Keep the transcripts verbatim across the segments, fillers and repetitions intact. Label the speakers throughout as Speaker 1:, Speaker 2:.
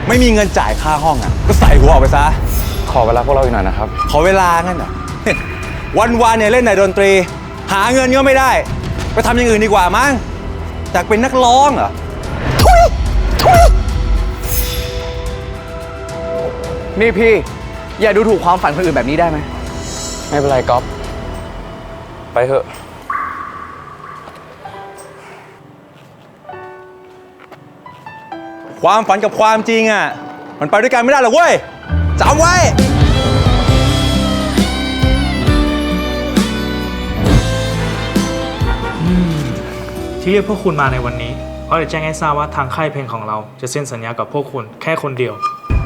Speaker 1: ไม่มีเงินจ่ายค่าห้องอ่ะก็ใส่หัวออกไปซะ
Speaker 2: ขอเวลาพวกเราอีกหน่อยนะครับ
Speaker 1: ขอเวลางั้นเหรอ วันวานเนี่ยเล่นแต่ดนตรีหาเงินก็ไม่ได้ไปทำอย่างอื่นดีกว่ามั้งอยากเป็นนักร้องเหรอทุยทุย
Speaker 3: นี่พี่อย่าดูถูกความฝันคนอื่นแบบนี้ได้ไหม
Speaker 2: ไม่เป็นไรก๊อฟไปเถอะ
Speaker 1: ความฝันกับความจริงอ่ะมันไปด้วยกันไม่ได้หรอกเว้ยจำไว้
Speaker 4: ที่เรียกพวกคุณมาในวันนี้เพราะจะแจ้งให้ทราบว่าทางค่ายเพลงของเราจะเซ็นสัญญากับพวกคุณแค่คนเดียว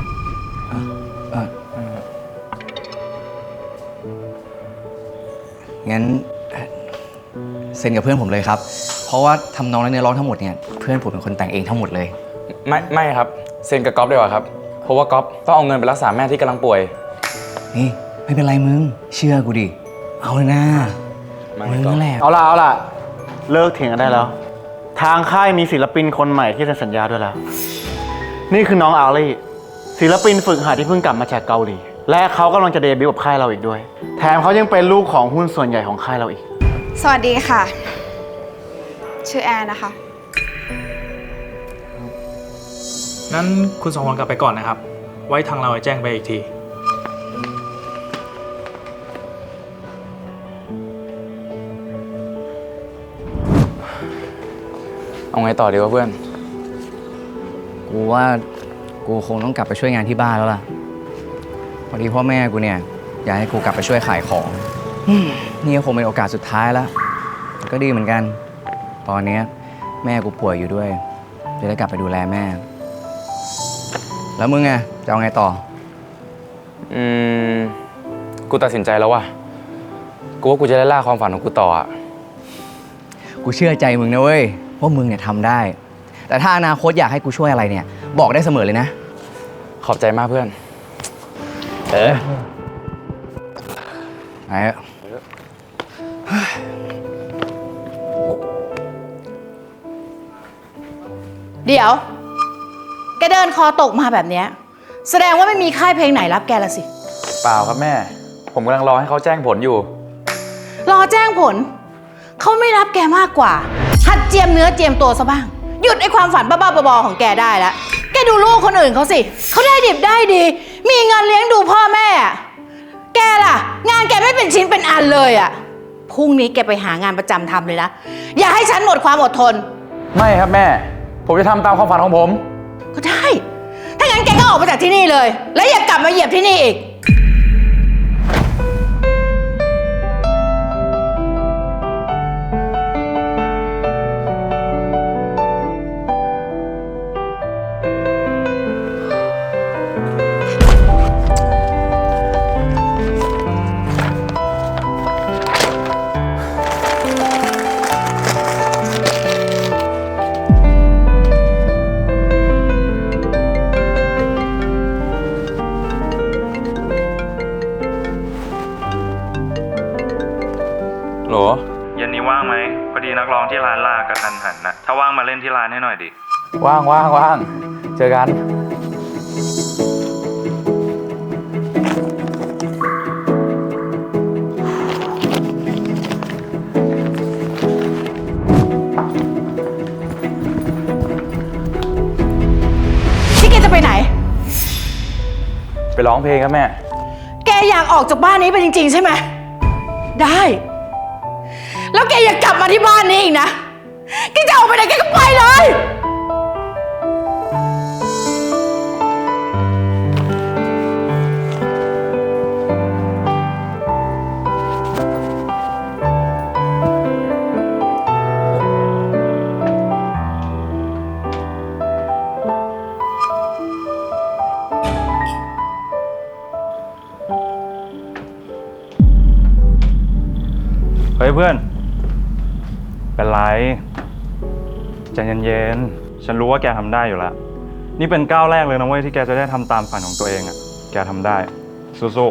Speaker 3: งั้นเซ็นกับเพื่อนผมเลยครับเพราะว่าทำนองและเนื้อร้องทั้งหมดเนี่ยเพื่อนผมเป็นคนแต่งเองทั้งหมดเลย
Speaker 2: ไม่ไม่ครับเซ็นกับก๊อฟดีกว่าครับเพราะว่าก๊อฟต้องเอาเงินไปรักษาแม่ที่กำลังป่วย
Speaker 3: นี่ไม่เป็นไรมึงเชื่อกูดิเอาเลยนะมึงนั่นแหละ
Speaker 5: เอาล่ะเอาล่ะเลิกเถียงกันได้แล้วทางค่ายมีศิลปินคนใหม่ที่เซ็นสัญญาด้วยแล้วนี่คือน้องอาลี่ศิลปินฝึกหัดที่เพิ่งกลับมาจากเกาหลีและเขากำลังจะเดบิวต์กับค่ายเราอีกด้วยแถมเขายังเป็นลูกของหุ้นส่วนใหญ่ของค่ายเราอีก
Speaker 6: สวัสดีค่ะชื่อแอนนะคะ
Speaker 4: นั้นคุณสองคนกลับไปก่อนนะครับไว้ทางเราจะแจ้งไปอีกที
Speaker 2: เอาไงต่อดีวะเพื่อน
Speaker 3: กูว่ากูคงต้องกลับไปช่วยงานที่บ้านแล้วล่ะพอดีพ่อแม่กูเนี่ยอยากให้กูกลับไปช่วยขายของนี่ก็คงเป็นโอกาสสุดท้ายแล้วก็ดีเหมือนกันตอนนี้แม่กูป่วยอยู่ด้วยจะได้กลับไปดูแลแม่แล้วมึงไงจะเอาไงต่อ
Speaker 2: อืมกูตัดสินใจแล้วว่ะกูว่ากูจะได้ล่าความฝันของกูต่ออ่ะ
Speaker 3: กูเชื่อใจมึงนะเว้ยว่ามึงเนี่ยทำได้แต่ถ้าอนาคตอยากให้กูช่วยอะไรเนี่ยบอกได้เสมอเลยนะ
Speaker 2: ขอบใจมากเพื่อนเออ
Speaker 3: ไอ้
Speaker 7: เดี๋ยวแกเดินคอตกมาแบบเนี้ยแสดงว่าไม่มีค่ายเพลงไหนรับแกละสิ
Speaker 2: เปล่าครับแม่ผมกำลังรอให้เขาแจ้งผลอยู่
Speaker 7: รอแจ้งผลเขาไม่รับแกมากกว่าหัดเจียมเนื้อเจียมตัวซะบ้างหยุดไอ้ความฝันบ้าๆบอๆของแกได้แล้วแกดูลูกคนอื่นเขาสิเขาได้ดิบได้ดีมีเงินเลี้ยงดูพ่อแม่แกล่ะงานแกไม่เป็นชิ้นเป็นอันเลยอ่ะพรุ่งนี้แกไปหางานประจำทำเลยนะอย่าให้ฉันหมดความอดทน
Speaker 2: ไม่ครับแม่ผมจะทำตามความฝันของผม
Speaker 7: ก็ได้ถ้างั้นแกก็ออกไปจากที่นี่เลยและอย่ากลับมาเหยียบที่นี่อีก
Speaker 4: โหลเย็นนี้ว่างไหมพอดีนักร้องที่ร้านลากระทันหันนะถ้าว่างมาเล่นที่ร้านให้หน่อยดิ
Speaker 2: ว่างว่างว่างเจอกัน
Speaker 7: ที่แกจะไปไหน
Speaker 2: ไปร้องเพลงครับแม่
Speaker 7: แกอยากออกจากบ้านนี้ไปจริงๆใช่ไหมได้แล้วแกอย่ากลับมาที่บ้านนี้อีกนะแกจะออกไปไหนแกก็ไปเลย
Speaker 8: เฮ้ยเพื่อนเป็นไรใจเย็นๆฉันรู้ว่าแกทำได้อยู่แล้วนี่เป็นก้าวแรกเลยนะเว้ยที่แกจะได้ทำตามฝันของตัวเองอ่ะแกทำได้สู้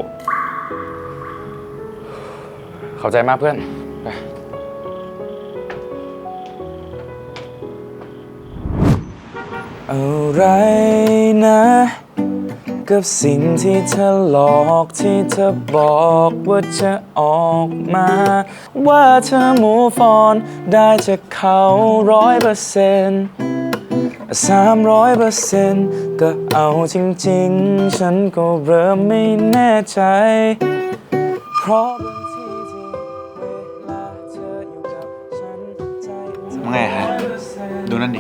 Speaker 2: ๆเข้าใจมากเพื่อนไปเออะไรนะ กับสิ่งที่เธอหลอกที่เธอบอกว่าจะออกมา ว่าเธอ move on ได้จากเขาร้อยเปอร์เซ็นต์สามร้อยเปอร์เซ็นต์ก็เอาจริงๆ ฉันก็เริ่มไม่แน่ใจ เพราะบางทีที่เวลาเธออยู่กับฉันใจ
Speaker 5: ว่าไงฮะ ดูนั่นดิ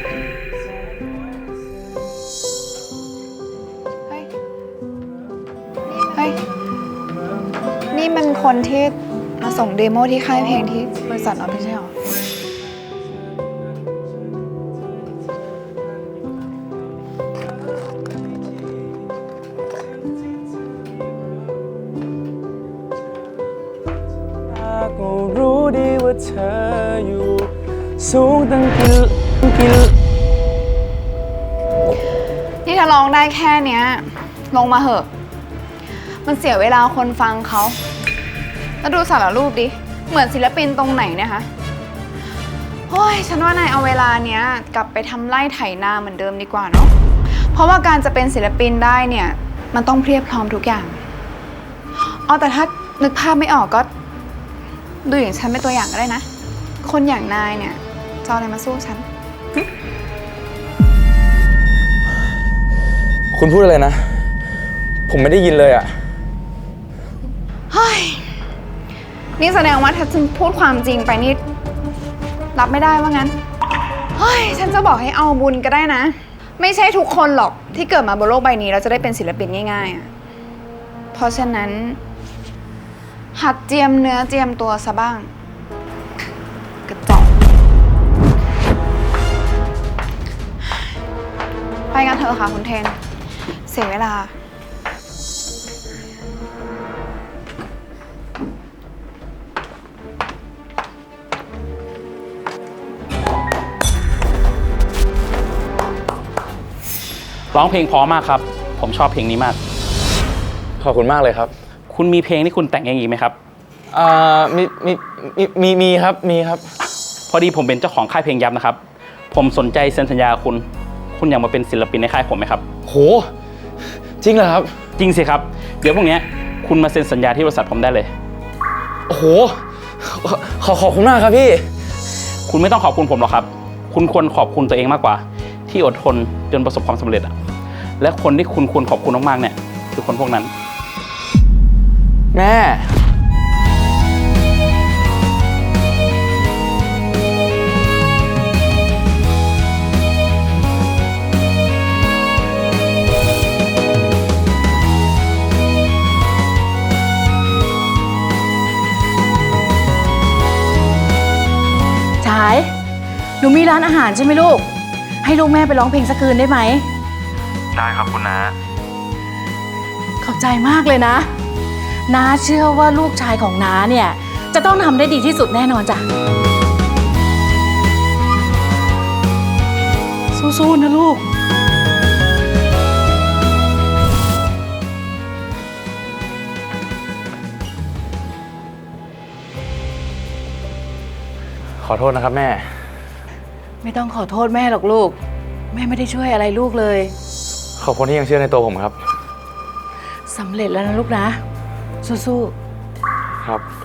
Speaker 6: เฮ้ย เฮ้ย นี่มันคนที่มาส่งเดโมที่ค่ายเพลงที่บริษัทเราไม่ใช่หรอ
Speaker 2: ก็รู้ดีว่าเธออยู่สูงตั้งกี่กี่
Speaker 6: นี่ถ้าร้องได้แค่เนี้ย ลงมาเหอะ มันเสียเวลาคนฟังเขา แล้วดูสารรูปดิ เหมือนศิลปินตรงไหนเนี่ยคะโอ้ย ฉันว่านายเอาเวลาเนี้ย กลับไปทำไร่ไถนาเหมือนเดิมดีกว่าเนาะ เพราะว่าการจะเป็นศิลปินได้เนี่ย มันต้องเพรียบพร้อมทุกอย่างอ๋อแต่ถ้านึกภาพไม่ออกก็ ดูอย่างฉันเป็นตัวอย่างก็ได้นะ คนอย่างนายเนี่ยจะเอาอะไรมาสู้ฉัน
Speaker 2: คุณพูดอะไรนะ ผมไม่ได้ยินเลยอ่ะ
Speaker 6: เฮ้ย นี่แสดงว่าถ้าฉันพูดความจริงไปนี่รับไม่ได้ว่างั้น เฮ้ย ฉันจะบอกให้เอาบุญก็ได้นะ ไม่ใช่ทุกคนหรอกที่เกิดมาบนโลกใบนี้เราจะได้เป็นศิลปินง่ายๆอ่ะ เพราะฉะนั้น หัดเจียมเนื้อเจียมตัวซะบ้าง กระจอกไปกันเถอะค่ะคุณเทน เสียเวลา
Speaker 9: ร้องเพลงเพราะมากครับ ผมชอบเพลงนี้มาก
Speaker 2: ขอบคุณมากเลยครับ
Speaker 9: คุณมีเพลงที่คุณแต่งเองอีกไหมครับ
Speaker 2: อ่ามีมีมีมีมีครับมีครับ
Speaker 9: พอดีผมเป็นเจ้าของค่ายเพลงยับนะครับ ผมสนใจเซ็นสัญญาคุณ คุณอยากมาเป็นศิลปินในค่ายผมไหมครับ
Speaker 2: โห จริงเหรอครับ
Speaker 9: จริงสิครับ เดี๋ยวพรุ่งนี้คุณมาเซ็นสัญญาที่บริษัทผมได้เลย
Speaker 2: โอ้โห ขอขอบคุณมากครับพี่
Speaker 9: คุณไม่ต้องขอบคุณผมหรอกครับ คุณควรขอบคุณตัวเองมากกว่า ที่อดทนจนประสบความสำเร็จอะและคนที่คุณควรขอบคุณมากๆเนี่ยคือคนพวกนั้น
Speaker 2: แม่
Speaker 7: ฉาย หนูมีร้านอาหารใช่ไหมลูก ให้ลูกแม่ไปร้องเพลงสักคืนได้ไหม
Speaker 8: ได้ครับคุณน้า
Speaker 7: ขอบใจมากเลยนะ น้าเชื่อว่าลูกชายของน้าเนี่ย จะต้องทำได้ดีที่สุดแน่นอนจ้ะ สู้ๆนะลูก
Speaker 2: ขอโทษนะครับแม่
Speaker 7: ไม่ต้องขอโทษแม่หรอกลูก แม่ไม่ได้ช่วยอะไรลูกเลย
Speaker 2: ขอบคุณที่ยังเชื่อในตัวผมครับ
Speaker 7: สำเร็จแล้วนะลูกนะ สู้ๆ
Speaker 2: ครับ